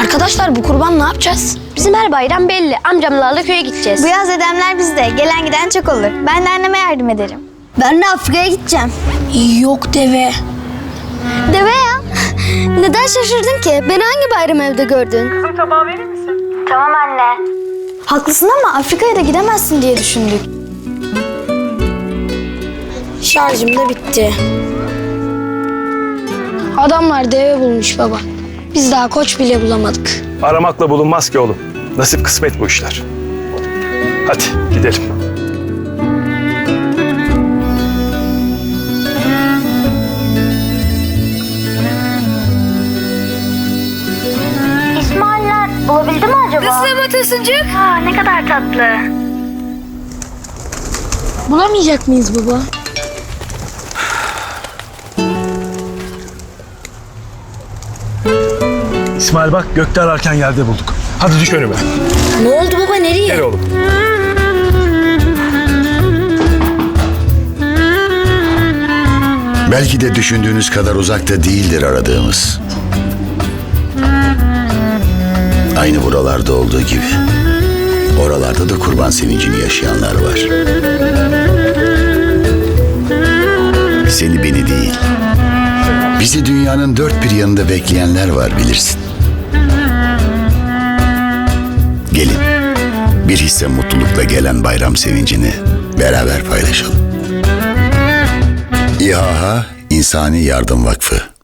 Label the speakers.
Speaker 1: Arkadaşlar bu kurban ne yapacağız?
Speaker 2: Bizim her bayram belli. Amcamlarla köye gideceğiz.
Speaker 3: Bu yaz dedemler bizde. Gelen giden çok olur. Ben de anneme yardım ederim.
Speaker 4: Ben de Afrika'ya gideceğim.
Speaker 1: Yok deve.
Speaker 4: Deve ya. Neden şaşırdın ki? Beni hangi bayram evde gördün?
Speaker 5: Kızım tabağı verir misin?
Speaker 3: Tamam anne. Haklısın ama Afrika'ya da gidemezsin diye düşündük.
Speaker 1: Şarjım da bitti. Adamlar deve bulmuş baba. Biz daha koç bile bulamadık.
Speaker 6: Aramakla bulunmaz ki oğlum. Nasip kısmet bu işler. Hadi gidelim.
Speaker 3: İsmail'ler bulabildi mi acaba?
Speaker 2: Nasıl Matasuncuk?
Speaker 3: Aa, ne kadar tatlı.
Speaker 1: Bulamayacak mıyız baba?
Speaker 6: İsmail bak gökte ararken yerde bulduk. Hadi düş önüme.
Speaker 1: Ne oldu baba, nereye?
Speaker 6: Gel oğlum.
Speaker 7: Belki de düşündüğünüz kadar uzakta değildir aradığımız. Aynı buralarda olduğu gibi. Oralarda da kurban sevincini yaşayanlar var. Seni beni değil. Bizi dünyanın dört bir yanında bekleyenler var bilirsin. Gelin. Bir hisse mutlulukla gelen bayram sevincini beraber paylaşalım. İHA İnsani Yardım Vakfı